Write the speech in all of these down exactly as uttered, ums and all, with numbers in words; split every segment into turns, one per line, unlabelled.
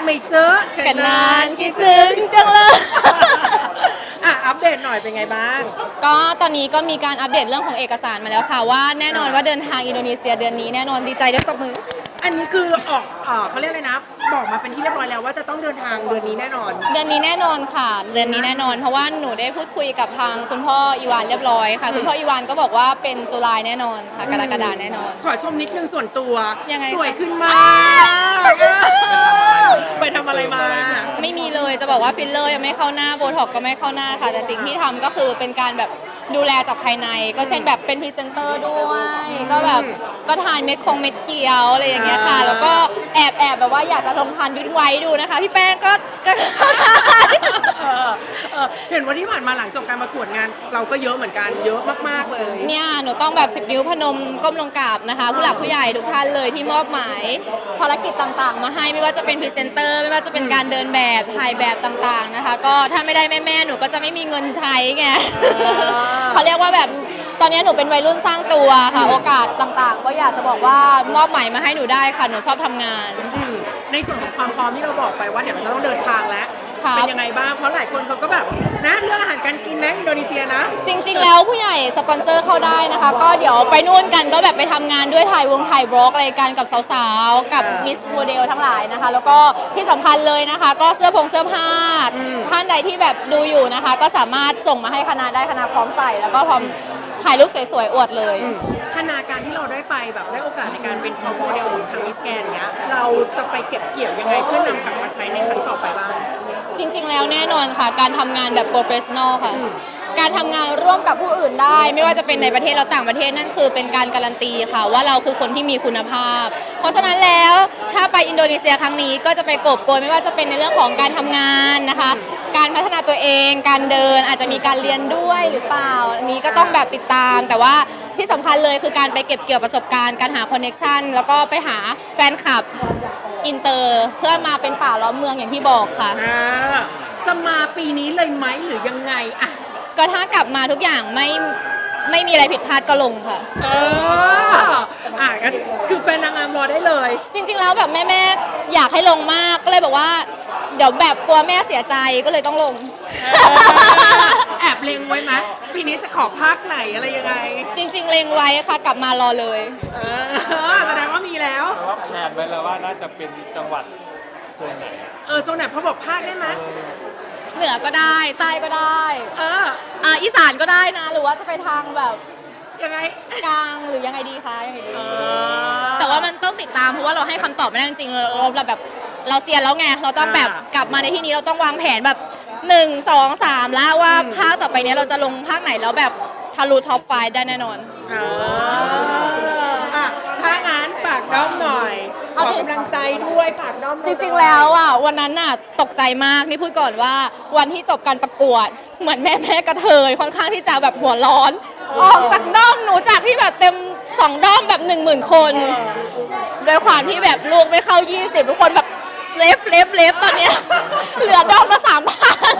ไม่เจอ
กันนานคิดถึงจังเลย
อ่ะอัปเดตหน่อยเป็นไงบ้าง
ก็ตอนนี้ก็มีการอัปเดตเรื่องของเอกสารมาแล้วค่ะว่าแน่นอนว่าเดินทางอินโดนีเซียเดือนนี้แน่นอนดีใจด้วยตบมือ
อันนี้คือออกเออเขาเรียกอะไรนะ บอกมาเป็นที่เรียบร้อยแล้วว่าจะต้องเดินทางเดือนนี้แน่นอน
เดือนนี้แน่นอนค่ะ เดือนนี้แน่นอนเพราะว่าหนูได้พูดคุยกับทางคุณพ่ออีวานเรียบร้อยค่ะคุณพ่ออีวานก็บอกว่าเป็นจุลายแน่นอนค่ะกรกฎาแน่นอน
ขอชมนิดนึงส่วนตัว
ยังไง
สวยขึ้นมากไปทำอะไรมา
ไม่มีเลยจะบอกว่าฟิลเลอร์ยังไม่เข้าหน้าโบท็อกก็ไม่เข้าหน้าค่ะ แต่สิ่งที่ทำก็คือเป็นการแบบดูแลจากภายในก็เช่นแบบเป็นพรีเซนเตอร์ด้วยก็แบบก็ทานเม็ดคงเม็ดเขียวอะไรอย่างเงี้ยค่ะ แล้วก็แอบแอบแบบว่าอยากจะลองทานยุ้นไว้ดูนะคะพี่แป้งก็ก็
เออเออเห็นว่าที่ผ่านมาหลังจบการประกวดงาน เราก็เยอะเหมือนกันเยอะมากๆเลย
เนี่ยหนูต้องแบบสิบนิ้วพนมก้มลงกราบนะคะผู้หลักผู้ใหญ่ทุกท่านเลยที่มอบหมายภารกิจต่างๆ มาให้ไม่ว่าจะเป็นพรีเซนเตอร์ไม่ว่าจะเป็นการเดินแบบถ่ายแบบต่างๆนะคะก็ถ้าไม่ได้แม่ๆหนูก็จะไม่มีเงินใช้ไง เขาเรียกว่าแบบตอนนี้หนูเป็นวัยรุ่นสร้างตัวค่ะโอกาสต่างๆ ก็อยากจะบอกว่ามอบหมายมาให้หนูได้ค่ะหนูชอบทำงาน
อืมในส่วนของความพร้อมที่เราบอกไปว่าเดี๋ยวเราจะต้องเดินทางแล้ว
ครับ
เป็นยังไงบ้างเพราะหลายคนเขาก็แบบนะเรื่องอาหารการกินนะอินโดนีเซียนะ
จริงๆ แล้วผู้ใหญ่สปอนเซอร์เข้าได้นะคะ ก็เดี๋ยวไปนู่นกันก็แบบไปทำงานด้วยถ่ายวงถ่ายบล็อกอะไรกันกับสาวๆ กับมิสโมเดลทั้งหลายนะคะ แล้วก็ที่สำคัญเลยนะคะ ก็เสื้อผงเสื้อผ้าท่านใดที่แบบดูอยู่นะคะ ก็สามารถส่งมาให้คณะได้คณะพร้อมใส่แล้วก็พร้อมถ่ายรูปสวยๆ อวดเลย
ขณะการที่เราได้ไปแบบได้โอกาสในการเป็นท็อปโมเดลของทางมิสแกนเนี้ยเราจะไปเก็บเกี่ยวยังไงเพื่อนำกลับมาใช้ในครั้งต่อไปบ้าง
จริงๆ แล้วแน่นอนค่ะการทำงานแบบโปรเฟชชั่นอลค่ะการทำงานร่วมกับผู้อื่นได้ ไม่ว่าจะเป็นในประเทศและต่างประเทศนั่นคือเป็นการการันตีค่ะว่าเราคือคนที่มีคุณภาพ เพราะฉะนั้นแล้วถ้าไปอินโดนีเซียครั้งนี้ก็จะไปกอบโกยไม่ว่าจะเป็นในเรื่องของการทำงานนะคะการพัฒนาตัวเองการเดินอาจจะมีการเรียนด้วยหรือเปล่าอันนี้ก็ต้องแบบติดตาม แต่ว่าที่สำคัญเลยคือการไปเก็บเกี่ยวประสบการณ์การหาคอนเน็กชันแล้วก็ไปหาแฟนคลับอินเตอร์เพื่อมาเป็นป่าล้อมเมืองอย่างที่บอกค่ะ
อ่าจะมาปีนี้เลยไหมหรือยังไงอะ
ก็ถ้ากลับมาทุกอย่างไม่ไม่มีอะไรผิดพลาดก็ลงค่ะ
เอออ่ะงั้นคือแฟนนางงามรอได้เลย
จริงๆแล้วแบบแม่แม่ๆอยากให้ลงมากก็เลยบอกว่า เดี๋ยวแบบกลัวแม่เสียใจก็เลยต้องลง
แอบเล็งไว้ไหมปีนี้จะขอภาคไหนอะไรยังไง
จริง ๆ เล็งไว้ค่ะกลับมารอเลย
เออแสดงว่ามีแล้ว
แต่ว่าแผนไว้แล้วว่าน่าจะเป็นจังหวัดโซนไหน
เออโซนไหนเขาบอกภาคได้ไหม
เหนือก็ได้ใต้ก็ได้
เออ
อ่าอีสานก็ได้นะ หรือว่าจะไปทางแบบ
ยังไง
กลางหรือยังไงดีคะยังไงดี
เออ
แต่ว่ามันต้องติดตามเพราะว่าเราให้คำตอบไม่ได้จริงๆเราเราแบบเราเซียนแล้วไงเราต้องแบบกลับมาในที่นี้เราต้องวางแผนแบบหนึ่งสองสามแล้วว่าภาคต่อไปเนี้ยเราจะลงภาคไหนแล้วแบบทะลุท็อปไฟได้แน่นอน
เอออ่ะถ้างั้นฝากด้อมหน่อยข
เอา
อ
จริง
กำลังใจด้วยฝากด้อมหน่
จ
อย
ริงๆแล้วอ่ะวันนั้นน่ะตกใจมากนี่พูดก่อนว่าวันที่จบการประกวดเหมือนแม่แม่กระเทยค่อนข้างที่จะแบบหัวร้อนออกจากด้อมหนูจากที่แบบเต็มสองด้อมแบบหนึ่งหมื่นคนด้วยความที่แบบลูกไม่เข้ายี่สิบทุกคนแบบเล็บเล็บเล็บตอนเนี้ย เหลือด้อมละสามพัน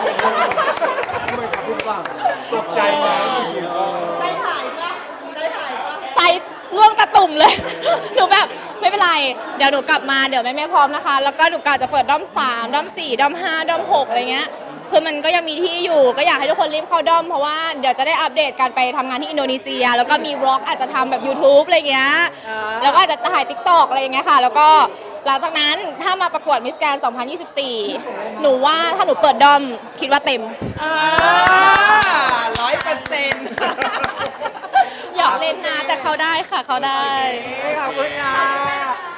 ตกใจไหม
ใจหายปะใจหายปะใจร่วงตะตุ่มเลย หนูแบบไม่เป็นไร เดี๋ยวหนูกลับมาเดี๋ยวแม่แม่พร้อมนะคะ แล้วก็หนูกะจะเปิดด้อมสามด้อมสี่ด้อมห้าด้อมหกอะไรเงี้ย คือมันก็ยังมีที่อยู่ ก็อยากให้ทุกคนรีบเข้าด้อมเพราะว่าเดี๋ยวจะได้อัปเดตการไปทำงานที่อินโดนีเซีย แล้วก็มีวล็อกอาจจะทำแบบ YouTube อะไรเงี้ย แล้วก็อาจจะถ่าย ติ๊กต็อก อะไรอย่างเงี้ยค่ะ แล้วก็หลังจากนั้นถ้ามาประกวดมิสแกรนด์สองพันยี่สิบสี่ หนูว่าถ้าหนูเปิดด้อมคิดว่าเต็ม
ร้อยเปอร์เซ็นต์
อยากเล่นนะแต่เขาได้ค่ะเขาได้
ขอบคุณค่ะ